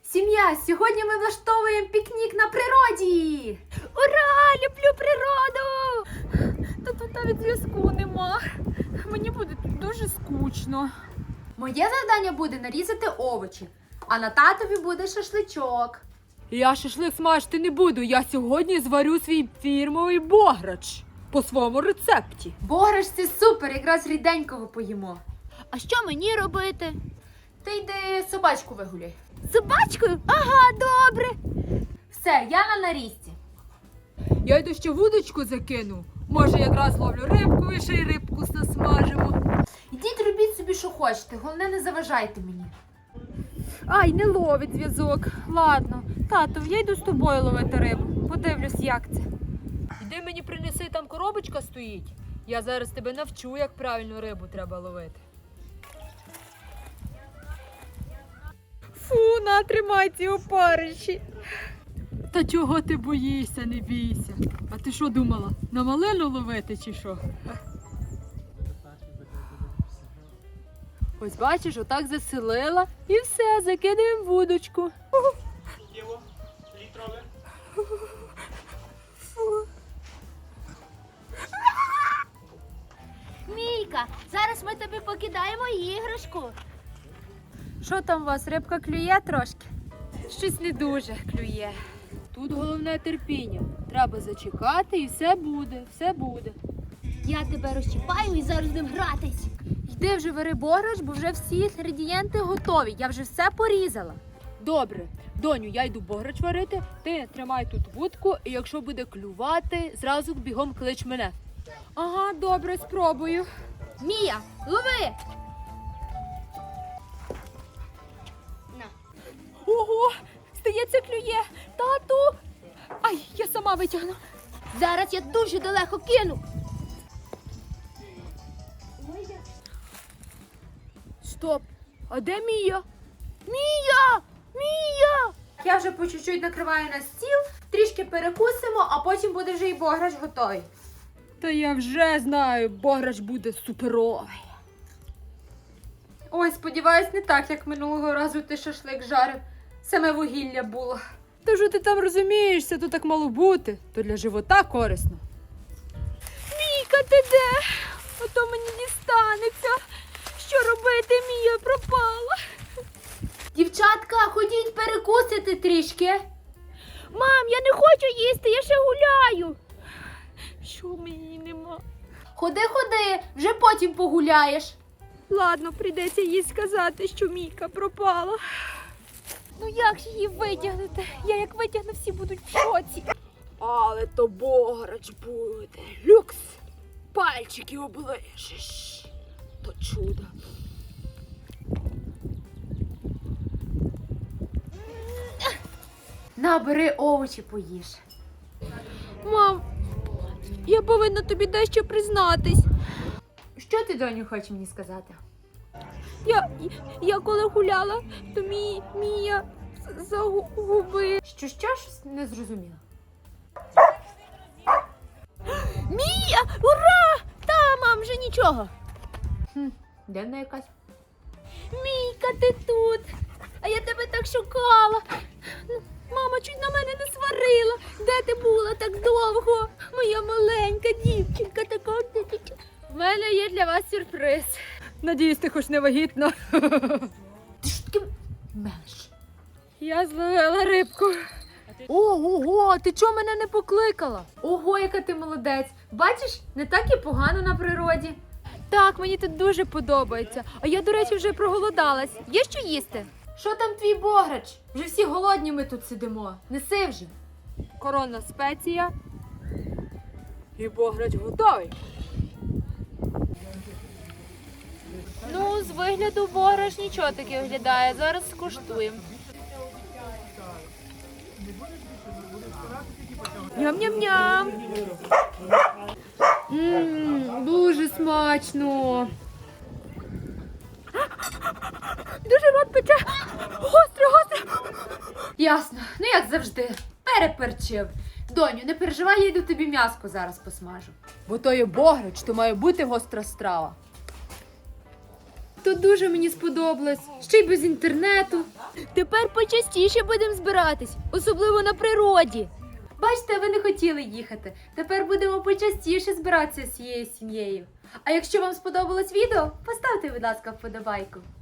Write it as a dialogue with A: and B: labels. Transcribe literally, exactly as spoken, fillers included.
A: Сім'я, сьогодні ми влаштовуємо пікнік на природі!
B: Ура! Люблю природу! Та тут навіть зв'язку нема. Мені буде тут дуже скучно.
A: Моє завдання буде нарізати овочі, а на татові буде шашличок.
B: Я шашлик смажити не буду. Я сьогодні зварю свій фірмовий бограч по своєму рецепті.
A: Бограш – це супер, якраз ріденького поїмо.
C: А що мені робити?
A: Ти йди собачку вигуляй.
C: Собачкою? Ага, добре.
A: Все, я на нарізці.
B: Я йду ще вудочку закину. Може, якраз ловлю рибку і ще й рибку насмажимо.
A: Йдіть, робіть собі, що хочете, головне не заважайте мені.
B: Ай, не ловить зв'язок. Ладно, тато, я йду з тобою ловити рибу. Подивлюсь, як це. Іди мені принеси, там коробочка стоїть. Я зараз тебе навчу, як правильно рибу треба ловити. Фу, на, тримай ці опариші. Та чого ти боїшся, не бійся. А ти що думала, на малину ловити чи що? Ось бачиш, отак заселила і все, закидаємо вудочку.
D: Діло літрове.
C: Мійка, зараз ми тобі покидаємо іграшку.
B: Що там у вас, рибка клює трошки? Щось не дуже клює. Тут головне терпіння. Треба зачекати і все буде, все буде.
C: Я тебе розчіпаю і зараз будемо гратись.
A: Йди вже вари бограш, бо вже всі інгредієнти готові. Я вже все порізала.
B: Добре, доню, я йду бограч варити, ти тримай тут вудку, і якщо буде клювати, зразу бігом клич мене. Ага, добре, спробую.
A: Мія, лови!
B: Ого, здається, клює. Тату! Ай, я сама витягну.
C: Зараз я дуже далеко кину.
B: Стоп, а де Мія? Мія! Мія!
A: Я вже по чуть-чуть накриваю на стіл, трішки перекусимо, а потім буде вже і бограш готовий.
B: Та я вже знаю, бограч буде суперовий.
A: Ой, сподіваюсь, не так, як минулого разу ти шашлик жарив. Саме вугілля було.
B: Та що ти там розумієшся, то так мало бути, то для живота корисно. Мійка, ти де? А то мені дістанеться. Що робити, Мія пропала?
A: Дівчатка, ходіть перекусити трішки.
C: Мам, я не хочу їсти, я ще гуляю.
B: Що мені нема?
A: Ходи, ходи, вже потім погуляєш.
B: Ладно, прийдеться їй сказати, що Мійка пропала. Ну як ж її витягнути? Я як витягну, всі будуть в шоці. Але то бограч буде. Люкс. Пальчики оближеш. То чудо.
A: На, бери овочі поїж.
B: Мам, я повинна тобі дещо признатись.
A: Що ти, доню, хочеш мені сказати?
B: Я, я коли гуляла, то мій, Мія загубив.
A: Що, що, щось не зрозуміла.
C: Мія, ура! Та, мам, вже нічого.
A: Хм, де вона якась?
C: Мійка, ти тут. А я тебе так шукала. Мама чуть на мене не сварила. Де ти була так довго? Моя маленька дівчинка така.
B: В мене є для вас сюрприз. Надіюсь, ти хоч не вагітна.
A: Ти що таке мелеш?
B: Я зловила рибку.
A: Ого, ти чого мене не покликала? Ого, яка ти молодець. Бачиш, не так і погано на природі.
B: Так, мені тут дуже подобається. А я, до речі, вже проголодалась. Є що їсти?
A: Що там твій бограч? Вже всі голодні ми тут сидимо. Неси вже.
B: Коронна спеція. І бограч готовий. Ну, з вигляду бограч нічого таке виглядає. Зараз скуштуємо. Ням-ням-ням.
A: Ммм, дуже смачно.
B: Дуже рот пече. Гостро, гостро.
A: Ясно, ну як завжди, переперчив. Доню, не переживай, я йду тобі м'яско зараз посмажу.
B: Бо то є бограч, то має бути гостра страва.
A: Тут дуже мені сподобалось, ще й без інтернету.
C: Тепер почастіше будемо збиратись, особливо на природі.
A: Бачите, ви не хотіли їхати. Тепер будемо почастіше збиратися з цією сім'єю. А якщо вам сподобалось відео, поставте, будь ласка, вподобайку.